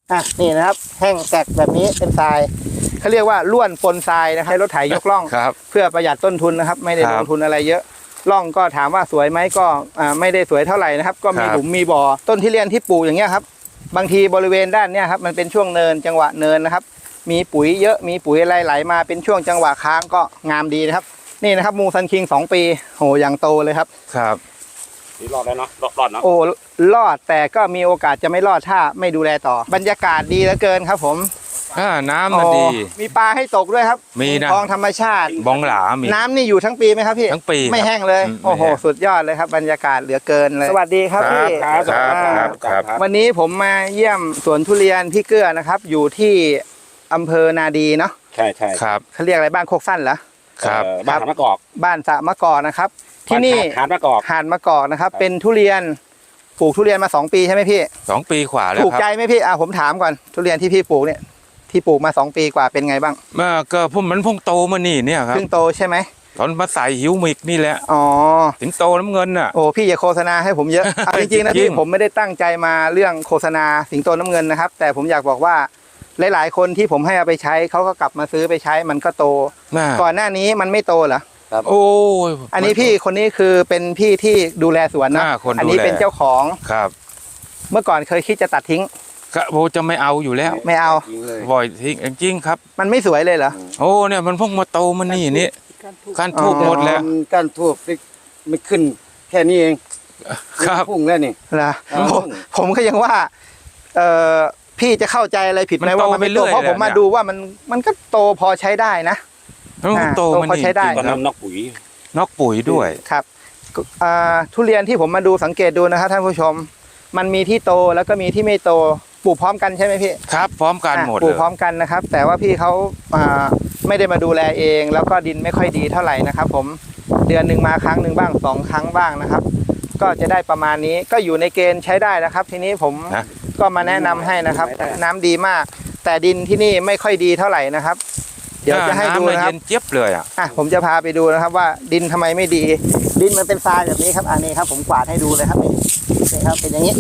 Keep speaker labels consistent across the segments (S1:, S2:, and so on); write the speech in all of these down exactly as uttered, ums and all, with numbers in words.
S1: อ่ะนี่นะครับแห้งแตกแบบนี้เป็นทรายเขาเรียกว่าล้วนปนทรายนะครับให้รถไถยกล่องเพื่อประหยัดต้นทุนนะครับไม่ได้ลงทุนอะไรเยอะล่องก็ถามว่าสวยไหมก็อ่าไม่ได้สวยเท่าไหร่นะครับก็มีหลุมมีบ่อต้นที่เรียนที่ปลูกอย่างเงี้ยครับบางทีบริเวณด้านเนี้ยครับมันเป็นช่วงเนินจังหวะเนินนะครับมีปุ๋ยเยอะมีปุ๋ยอะไรไหลมาเป็นช่วงจังหวะค้างก็งามดีนะครับนี่นะครับมูซันคิงสองปีโหอย่างโตเลยครับ
S2: ครับ
S3: นี่รอดแล้วเนาะรอดรอดเนาะ
S1: โอ้รอดแต่ก็มีโอกาสจะไม่รอดถ้าไม่ดูแลต่อบรรยากาศดีเหลือเกินครับผม
S2: อ่าน้ำมันดี
S1: มีปลาให้ตกด้วยครับ
S2: มีนะ
S1: คลองธรรมชาติ
S2: บองหลามี
S1: น้ำนี่อยู่ทั้งปีไหมครับพี่
S2: ทั้งปี
S1: ไม่แห้งเลยโอ้โหสุดยอดเลยครับบรรยากาศเหลือเกินเลยสวัสดีครับพี่
S2: ครับครับครับ
S1: วันนี้ผมมาเยี่ยมสวนทุเรียนพี่เกื้อนะครับอยู่ที่อำเภอนาดีเนาะ
S3: ใช่ใช่
S2: ครับ
S1: เขาเรียกอะไรบ้านโคกสั้นเหรอ
S2: ครับ
S3: บ้านมะกอก
S1: บ้านสะมะกอกนะครับที่นี่
S3: หาดมะกอก
S1: หาดมะกอกนะครับเป็นทุเรียนปลูกทุเรียนมาสองปีใช่ไหมพี่
S2: สองปีกว่าแล้ว
S1: ถูกใจไหมพี่อ่ะผมถามก่อนทุเรียนที่พี่ปลูกเนี่ยที่ปลูกมาสองปีกว่าเป็นไงบ้าง
S2: เมื่อก็พุ่มมันพุ่งโตมานี่เนี่ยครับ
S1: เพิ่งโตใช่ไหม
S2: ตอนมาใส่หิวมิกนี่แหละ
S1: อ๋อ
S2: ถึงโตน้ำเงินน่ะ
S1: โอ้พี่อย่าโฆษณาให้ผมเยอะเอาจริงๆนะพี่ผมไม่ได้ตั้งใจมาเรื่องโฆษณาสิงโตน้ำเงินนะครับแต่ผมอยากบอกว่าหลายๆคนที่ผมให้เอาไปใช้เขาก็กลับมาซื้อไปใช้มันก็โตก่อนหน้านี้มันไม่โตเหรอ
S2: ครับโอ้ย
S1: อันนี้พี่คนนี้คือเป็นพี่ที่ดูแลสวนนะอันนี้เป็นเจ้าของ
S2: ครับ
S1: เมื่อก่อนเคยคิดจะตัดทิ้ง
S2: ก็โบจะไม่เอาอยู่แล้ว
S1: ไม่เอา
S2: บ่อยทิ้งจริงครับ
S1: มันไม่สวยเลยเหรอ
S2: โอ้เนี่ยมันพุ่งมาโตมันนี่นี่การทูบหมดแล้ว
S4: การทูบไม่ขึ้นแค่นี้เอง
S2: ครับ
S4: พุ่งแล้วนี่
S1: นะผมก็ยังว่าเออพี่จะเข้าใจอะไรผิดไหมว่ามันไม่โตเพราะผมมาดูว่ามันมันก็โตพอใช้ได้นะ
S2: โตมัน
S1: พอใช้ได้
S3: ตอนนั้นนอกปุ๋ย
S2: นอกปุ๋ยด้วย
S1: ครับทุเรียนที่ผมมาดูสังเกตดูนะครับท่านผู้ชมมันมีที่โตแล้วก็มีที่ไม่โตปลูกพร้อมกันใช่ไหมพี่
S2: ครับพร้อมกันหมด
S1: ปลูกพร้อมกันนะครับแต่ว่าพี่เขาไม่ได้มาดูแลเองแล้วก็ดินไม่ค่อยดีเท่าไหร่นะครับผมเดือนหนึ่งมาครั้งหนึ่งบ้างสองครั้งบ้างนะครับก็จะได้ประมาณนี้ก็อยู่ในเกณฑ์ใช้ได้นะครับทีนี้ผมก็มาแนะนำให้นะครับน้ำดีมากแต่ดินที่นี่ไม่ค่อยดีเท่าไหร่นะครับเดี๋ยวจะให้ดูนะครับ
S2: เจี๊ยบเลยอ่ะ
S1: อ่ะผมจะพาไปดูนะครับว่าดินทำไมไม่ดีดินมันเป็นทรายแบบนี้ครับอันนี้ครับผมกวาดให้ดูเลยครับนี่นี่ครับเป็นอย่างนี้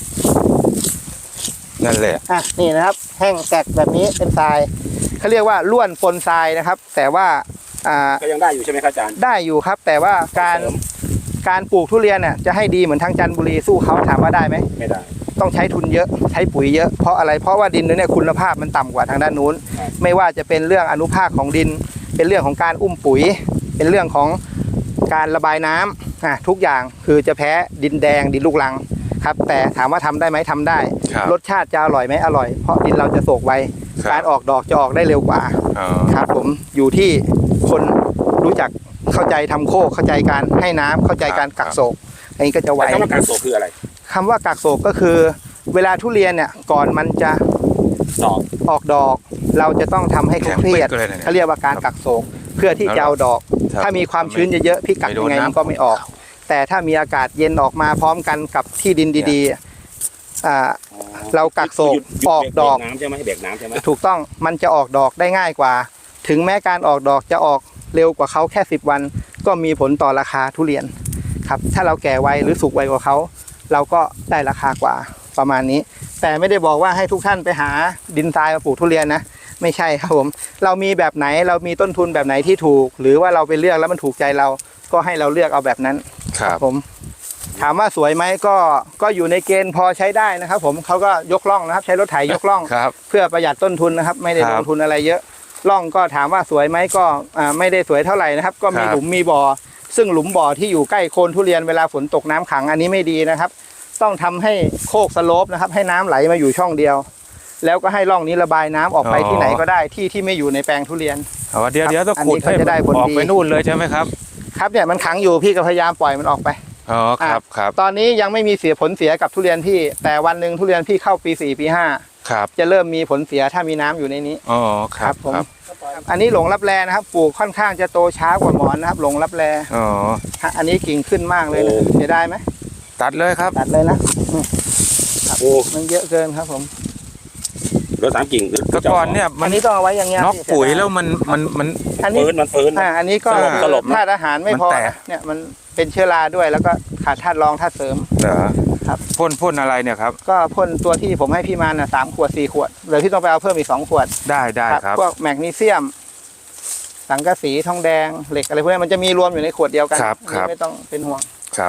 S2: นั่นแหละ
S1: อ่ะนี่นะครับแห้งแตกแบบนี้เป็นทรายเขาเรียกว่าล้วนปนทรายนะครับแต่ว่าอ่า
S3: ก็ยังได้อยู่ใช่ไหมครับอาจารย์
S1: ได้อยู่ครับแต่ว่าการการปลูกทุเรียนเนี่ยจะให้ดีเหมือนทางจันทบุรีสู้เขาถามว่าได้ไหม
S3: ไม่ได้
S1: ต้องใช้ทุนเยอะใช้ปุ๋ยเยอะเพราะอะไรเพราะว่าดินเนี่ยคุณภาพมันต่ำกว่าทางด้านนู้นไม่ว่าจะเป็นเรื่องอนุภาคของดินเป็นเรื่องของการอุ้มปุ๋ยเป็นเรื่องของการระบายน้ำอ่ะทุกอย่างคือจะแพ้ดินแดงดินลูกรังครับแต่ถามว่าทำได้ไหมทำได้รสชาติจะอร่อยไหมอร่อยเพราะดินเราจะโศกไวการออกดอกจะออกได้เร็วกว่าครับผมอยู่ที่คนรู้จักเข้าใจทำโคกเข้าใจการให้น้ำเข้าใจการกักโศกอันนี้ก็จะไว
S3: คำว่ากักโศกคืออะไร
S1: คำว่ากักโศกก็คือเวลาทุเรียนเนี่ยก่อนมันจะออกดอกเราจะต้องทำให้เครียดเขาเรียกว่าการกักโศกเพื่อที่จะเอาดอกถ้ามีความชื้นเยอะๆพี่กักยังไงมันก็ไม่ออกแต่ถ้ามีอากาศเย็นออกมาพร้อมกันกับที่ดินดีๆอ่าเรากักโศกออกดอก
S3: น้ำใช่ไหมให้เบรกน้ำใช่ไหม
S1: ถูกต้องมันจะออกดอกได้ง่ายกว่าถึงแม้การออกดอกจะออกเร็วกว่าเขาแค่สิบวันก็มีผลต่อราคาทุเรียนครับถ้าเราแก่ไวหรือสุกไวกว่าเขาเราก็ได้ราคากว่าประมาณนี้แต่ไม่ได้บอกว่าให้ทุกท่านไปหาดินทรายมาปลูกทุเรียนนะไม่ใช่ครับผมเรามีแบบไหนเรามีต้นทุนแบบไหนที่ถูกหรือว่าเราไปเลือกแล้วมันถูกใจเราก็ให้เราเลือกเอาแบบนั้น
S2: ครับ
S1: ผมถามว่าสวยไหมก็ก็อยู่ในเกณฑ์พอใช้ได้นะครับผมเขาก็ยกล่องนะครับใช้รถไถยกล่องเพื่อประหยัดต้นทุนนะครับไม่ได้ลงทุนอะไรเยอะล่องก็ถามว่าสวยไหมก็ไม่ได้สวยเท่าไหร่นะครับก็มีหลุมมีบ่อซึ่งหลุมบ่อที่อยู่ใกล้โคนทุเรียนเวลาฝนตกน้ำขังอันนี้ไม่ดีนะครับต้องทำให้โคกสโลปนะครับให้น้ำไหลมาอยู่ช่องเดียวแล้วก็ให้ร่องนี้ระบายน้ำออกไปที่ไหนก็ได้ที่ที่ไม่อยู่ในแปลงทุเรียน
S2: เดี๋ยวเดี๋ยวต้องขุดให้มันออกไปนู่นเลยใช่ไหมครับ
S1: ครับเนี่ยมันขังอยู่พี่ก็พยายามปล่อยมันออกไป
S2: อ๋อครับครับ
S1: ตอนนี้ยังไม่มีเสียผลเสียกับทุเรียนพี่แต่วันหนึ่งทุเรียนพี่เข้าปีสี่ปีห้า
S2: ครับ
S1: จะเริ่มมีผลเสียถ้ามีน้ำอยู่ในนี้
S2: อ๋อครับ
S1: ผมอันนี้หลงรับแลนะครับปลูกค่อนข้างจะโตช้ากว่าหมอนนะครับหลงรับแล
S2: อ๋อ
S1: อันนี้กิ่งขึ้นมากเลยนะเสียดายไหม
S2: ตัดเลยครับ
S1: ตัดเลยนะโอ้มันเยอะเกินครับผม
S3: รถสามกิ่ง
S2: แต่ก่อนเนี่ย
S1: อันนี้ต้องเอาไว้อย่างเงี้ย
S2: นอกปุ๋ยแล้วมันมันมัน
S3: เฟิร์นมันเฟิร์น
S1: อ่าอันนี้ก็ธาตุอาหารไม่พอเนี่ยมันเป็นเชื้อราด้วยแล้วก็ขาดธาตุรองธาตุเสริม
S2: เหรอ
S1: ครับครับ
S2: พ่นพ่นอะไรเนี่ยครับ
S1: ก็พ่นตัวที่ผมให้พี่มาน่ะสามขวดสี่ขวดเหลือพี่ต้องไปเอาเพิ่มอีกสองขวด
S2: ได้ได้ครับ
S1: พวกแมกนีเซียม สังกะสีทองแดงเหล็กอะไรพวกนี้มันจะมีรวมอยู่ในขวดเดียวกัน
S2: ครับครับ
S1: ไม่ต้องเป็นห่วง
S2: ครับ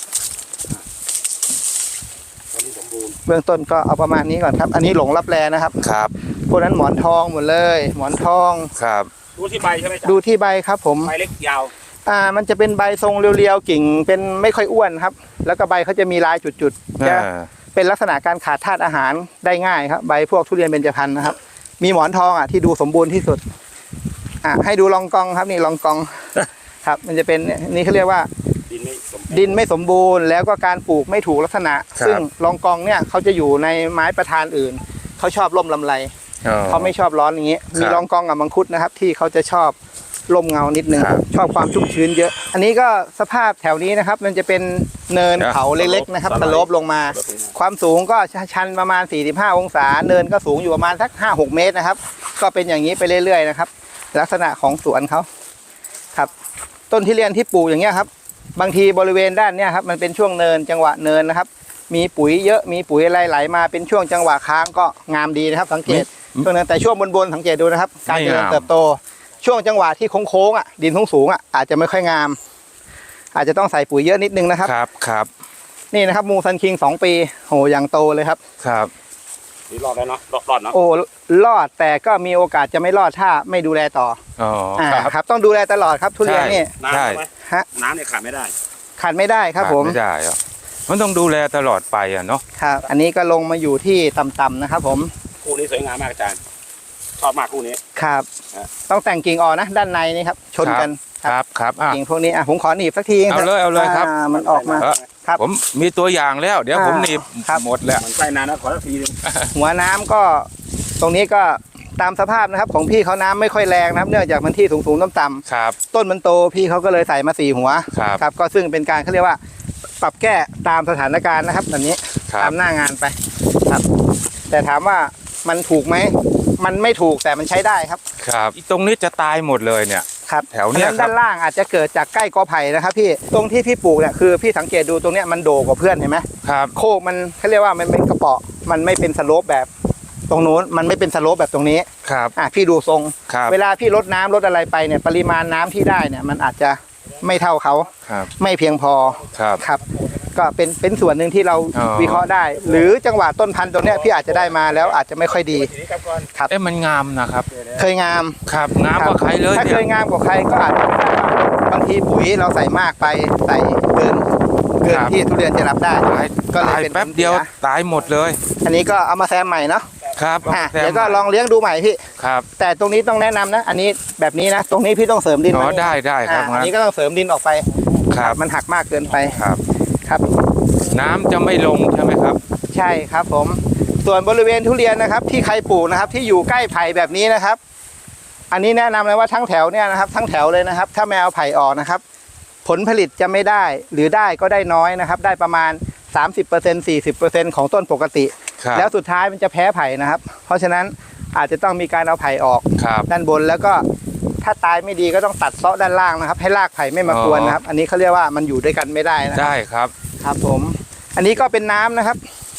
S3: ตอนนี้สมบูรณ์
S1: เบื้องต้นก็เอาประมาณนี้ก่อนครับ อันนี้หลงรับแลนะครับ
S2: ครับ
S1: พวกนั้นหมอนทองหมดเลย หมอนทอง
S2: ครับ
S3: ดูที่ใบใช่ไหมจ๊ะ
S1: ดูที่ใบครับผม
S3: ใบเล็กยาว
S1: อ่ามันจะเป็นใบทรงเรียวๆกิ่งเป็นไม่ค่อยอ้วนครับ แล้วก็ใบเขาจะมีลายจุดๆจะ
S2: อ่า
S1: เป็นลักษณะการขาดธาตุอาหารได้ง่ายครับใบพวกทุเรียนเบญจพรรณนะครับ มีหมอนทองอ่ะที่ดูสมบูรณ์ที่สุดอ่ะให้ดูลองกองครับนี่ลองกอง ครับ มันจะเป็นเนี่ยนี่เขาเรียกว่า
S3: ดินไม่สมบูรณ์
S1: ดินไม่สมบูรณ์แล้วก็การปลูกไม่ถูกลักษณะ
S2: ครับ
S1: ซึ่งลองกองเนี่ยเขาจะอยู่ในไม้ประธานอื่นเขาชอบร่มลำไร
S2: อ๋อ
S1: เขาไม่ชอบร้อนอย่างนี้
S2: ครับ
S1: มีลองกองกับมังคุดนะครับ ที่เขาจะชอบร่มเงานิดนึง
S2: ครับ
S1: ชอบความชุ่มชื้นเยอะ อันนี้ก็สภาพแถวนี้นะครับ มันจะเป็นเนินเขาเล็กๆนะครับสโลปลงมา ความสูงก็ชันประมาณสี่สิบห้าองศาเนินก็สูงอยู่ประมาณสักห้าหกเมตรนะครับ ก็เป็นอย่างนี้ไปเรื่อยๆนะครับ ลักษณะของสวนเขาครับ ต้นที่เรียนที่ปลูกอย่างเงี้ยครับ บางทีบริเวณด้านเนี้ยครับมันเป็นช่วงเนินจังหวะเนินนะครับ มีปุ๋ยเยอะมีปุ๋ยอะไรไหลมาเป็นช่วงจังหวะค้างก็งามดีนะครับ สังเกตช่วงนั้นแต่ช่วงบนๆสังเกตดูนะครับ การเจริญเติบโต ช่วงจังหวะที่โค้งๆอ่ะดินสูงๆอ่ะอาจจะไม่ค่อยงาม อาจจะต้องใส่ปุ๋ยเยอะนิดนึงนะครับ
S2: ครับครับ
S1: นี่นะครับมูซันคิงสองปีโหอย่างโตเลยครับ
S2: ครับ
S3: นี่รอดแล้วเนาะรอดรอดเนาะ
S1: โอ้รอดแต่ก็มีโอกาสจะไม่รอดถ้าไม่ดูแลต่อ
S2: อ๋อ
S1: อ่า
S2: ครับ
S1: ครับต้องดูแลตลอดครับทุเรียนนี่
S3: น้ำ
S2: ใช่
S3: ใช่ไหม
S1: ฮะ
S3: น้ำเนี่ยขาดไม่ได้
S1: ขาดไม่ได้ครับผม
S2: ไม่ได้อะมันต้องดูแลตลอดไปอ่ะเนาะ
S1: ครับ อันนี้ก็ลงมาอยู่ที่ต่ำๆนะครับผม
S3: คู่นี้สวยงามมากอาจารย์ ชอบมากคู่นี้
S1: ครับ
S3: ฮะ
S1: ต้องแต่งกิ่งออกนะ ด้านในนี่ครับ ชนกัน
S2: ครับครับอ่ะ
S1: กิ่งพวกนี้อ่ะผมขอหนีบสักที
S2: เอาเลยเอาเลยครับ
S1: อ่ามันออกมา
S2: เออ
S1: ครับ
S2: ผมมีตัวอย่างแล้ว เดี๋ยว
S1: อ่า
S2: ผมหนีบ
S1: ครับ
S2: หมดแล้ว
S3: มันใกล้นานนะขอสักทีหนึง
S1: หัวน้ำก็ตรงนี้ก็ตามสภาพนะครับ ของพี่เขาน้ำไม่ค่อยแรงนะครับ เนื่องจากมันที่สูงๆต่ำ
S2: ครับ
S1: ๆต้นมันโตพี่เขาก็เลยใส่มาสี่หัว
S2: ครับ
S1: ครับ ก็ซึ่งเป็นการเขาเรียกว่า ปรับแก้ตามสถานการณ์นะครับแบบนี้
S2: ครั
S1: ตา
S2: บ
S1: มหน้างานไปครับ แต่ถามว่ามันถูกไหมมันไม่ถูกแต่มันใช้ได้ครับ
S2: ครับตรงนี้จะตายหมดเลยเนี่ย
S1: ครับ
S2: แถวเนี้ย
S1: พราะฉะ
S2: ครับ
S1: ด้านล่างอาจจะเกิดจากใกล้กอไผ่นะครับพี่ตรงที่พี่ปลูกเนี่ยคือพี่สังเกตดูตรงเนี้ยมันโดกว่าเพื่อนเห็นไหม
S2: ครับ
S1: โคกมันเขาเรียกว่ามันเป็นกระเปาะมันไม่เป็นสโลปแบบตรงนู้นมันไม่เป็นสโลปแบบตรงนี้
S2: ครับ
S1: อ่ะพี่ดูทรง
S2: ครับ
S1: เวลาพี่ลดน้ำลดอะไรไปเนี่ยปริมาณน้ำที่ได้เนี่ยมันอาจจะไม่เท่าเขา
S2: ครับ
S1: ไม่เพียงพอ
S2: ครับ
S1: ครับ ก็เป็นเป็นส่วนหนึ่งที่เรา
S2: อ๋อ
S1: วิเคราะห์ได้ หรือจังหวะต้นพันธุ์ตรงเนี้ยพี่อาจจะได้มาแล้วอาจจะไม่ค่อยดี
S3: ทีนี้ครับก่อน
S2: เอ๊ะมันงามนะครับ
S1: เคยงาม
S2: ครับงามกว่าใครเลย
S1: ถ้า
S2: เนี่
S1: เค
S2: ย
S1: ยงามกว่าใครก็อาจจะได้ว่าบางทีปุ๋ยเราใส่มากไปใส่เกินเกินที่ทุเรียนจะรับได้
S2: ตาย
S1: ก็เลย
S2: ตาย
S1: เป็น
S2: แป๊บเดียว
S1: ผลสี
S2: ตายหมดเลย
S1: อันนี้ก็เอามาแซมใหม่เนาะ
S2: ครับ
S1: อ่ะ
S2: แซม
S1: เดี๋ยวก็ลองเลี้ยงดูใหม่พี่
S2: ครับ
S1: แต่ตรงนี้ต้องแนะนำนะ อันนี้แบบนี้นะ ตรงนี้พี่ต้องเสริมดิน
S2: อ๋อ
S1: มา
S2: ได้ได้ครับ
S1: อ่ะอันนี้ก็ต้องเสริมดินออกไป
S2: ครับ
S1: มันหักมากเกินไป
S2: ครับ
S1: ครับ
S2: น้ำจะไม่ลงใช่ไหมครับ
S1: ใช่ครับผม ส่วนบริเวณทุเรียนนะครับ ที่ใครปลูกนะครับ ที่อยู่ใกล้ไผ่แบบนี้นะครับ อันนี้แนะนำเลยว่าทั้งแถวเนี่ยนะครับ ทั้งแถวเลยนะครับ ถ้าไม่เอาไผ่ออกนะครับ ผลผลิตจะไม่ได้ หรือได้ก็ได้น้อยนะครับ ได้ประมาณ สามสิบเปอร์เซ็นต์ สี่สิบเปอร์เซ็นต์ ของต้นปกติ
S2: ครับ
S1: แล้วสุดท้ายมันจะแพ้ไผ่นะครับ เพราะฉะนั้นอาจจะต้องมีการเอาไผ่ออก
S2: ครับ
S1: ด้านบนแล้วก็ถ้าตายไม่ดีก็ต้องตัดเซาะด้านล่างนะครับ ให้รากไผ่ไม่มากวนนะครับ อันนี้เขาเรียกว่ามันอยู่ด้วยกันไม่ได้นะครับ
S2: ได้ครับ
S1: ครับผม อันนี้ก็เป็นน้ำนะครับ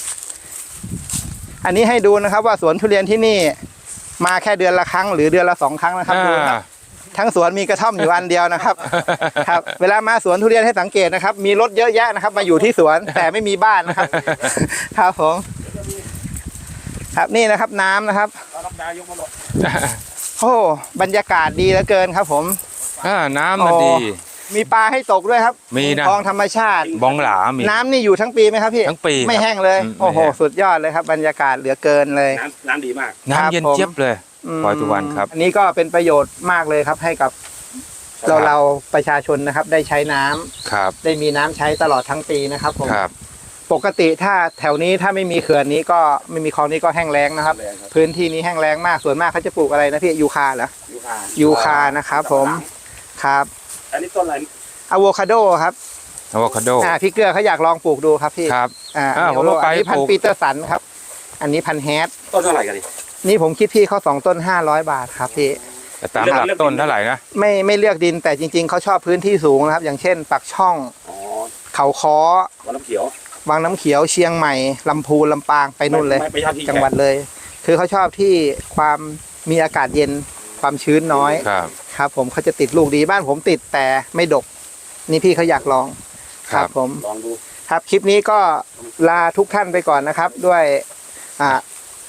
S1: อันนี้ให้ดูนะครับ ว่าสวนทุเรียนที่นี่ มาแค่เดือนละครั้งหรือเดือนละสองครั้งนะครับดูนะครับ ทั้งสวนมีกระท่อมอยู่อันเดียวนะครับ ครับ เวลามาสวนทุเรียนให้สังเกตนะครับ มีรถเยอะแยะนะครับ มาอยู่ที่สวนแต่ไม่มีบ้านนะครับ ครับผม ครับนี่นะครับน้ำนะครับ
S3: เรารับดายกมาหมด
S1: โอ้บรรยากาศดีเหลือเกินครับ ผม
S2: อ่าน้ำมันดี
S1: มีปลาให้ตกด้วยครับ
S2: มีนะ
S1: คลองธรรมชาติ
S2: บองหลามี
S1: น้ำนี่อยู่ทั้งปีไหมครับพี่
S2: ทั้งปีครับ
S1: ไม่แห้งเลย
S2: อืม
S1: โอ้โห
S2: ไม่แห้ง
S1: สุดยอดเลยครับ บรรยากาศเหลือเกินเลย
S3: น้ำน้ำดีมาก
S2: น้ำเย็น
S1: ครับผม
S2: เจี๊ยบเลย พลอยสุวรรณครับ
S1: อันนี้ก็เป็นประโยชน์มากเลยครับ ให้กับ
S2: ครับ
S1: เราเราประชาชนนะครับ ได้ใช้น้ำ
S2: ครับ
S1: ได้มีน้ำใช้ตลอดทั้งปีนะครับผม
S2: ครับ
S1: ปกติถ้าแถวนี้ถ้าไม่มีเขื่อนนี้ก็ไม่มีคลองนี้ก็แห้งแล้งนะครับ
S3: แห้งแล้งครับ
S1: พื้นที่นี้แห้งแล้งมากส่วนมากเขาจะปลูกอะไรนะพี่ยูคาเหรอ
S3: ยูคา
S1: ยูคานะครับผมครับ
S3: อันนี้ต้นอะไร
S1: อะโวคาโดครับ
S2: อะโวคาโด
S1: อ่าพี่เกลือเขาอยากลองปลูกดูครับพี่
S2: ครับ
S1: อ่า
S2: อ่า
S1: อันนี้
S2: ผมเอาไป
S1: อันนี้พัน
S2: ปลู
S1: ธุ์
S2: ก
S1: ปีเตอร์สันครับ อันนี้พันธุ์แฮด
S3: ต้นเท่าไหร่กันดิ
S1: นี่ผมคิดพี่เขาสองต้นห้าร้อยบาทครับพี่
S2: แต่ตามหลักต้นเท่าไหร่นะ
S1: ไม่ไม่เลือกดินแต่จริง ๆเขาชอบพื้นที่สูงนะครับ อย่างเช่นปักช่อง
S3: อ๋อ
S1: เขาค้อ
S3: วันน้ำเขียว
S1: วังน้ำเขียวเชียงใหม่ลำพูนลำปางไปนู่นเลย
S3: ไม่ไม่ใช่ที่
S1: จังหวัดเลย คือเขาชอบที่ความมีอากาศเย็นความชื้นน้อย
S2: ครับ
S1: ครับผมเขาจะติดลูกดีบ้านผมติดแต่ไม่ดก นี่พี่เขาอยากลอง
S2: ครับ
S1: ผม
S3: ลองดู
S1: ครับคลิปนี้ก็ลาทุกท่านไปก่อนนะครับ ด้วยอ่า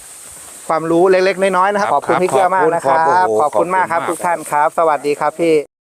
S1: ความรู้เล็กๆน้อยๆนะครับ
S2: ค
S1: ข
S2: รับ
S1: อบคุณพี่เกื้อมากนะครับ
S2: ขอบคุณ
S1: ขอบคุณมากครับ
S2: ขอบคุณมาก
S1: ทุกท่านครับ สวัสดีครับพี่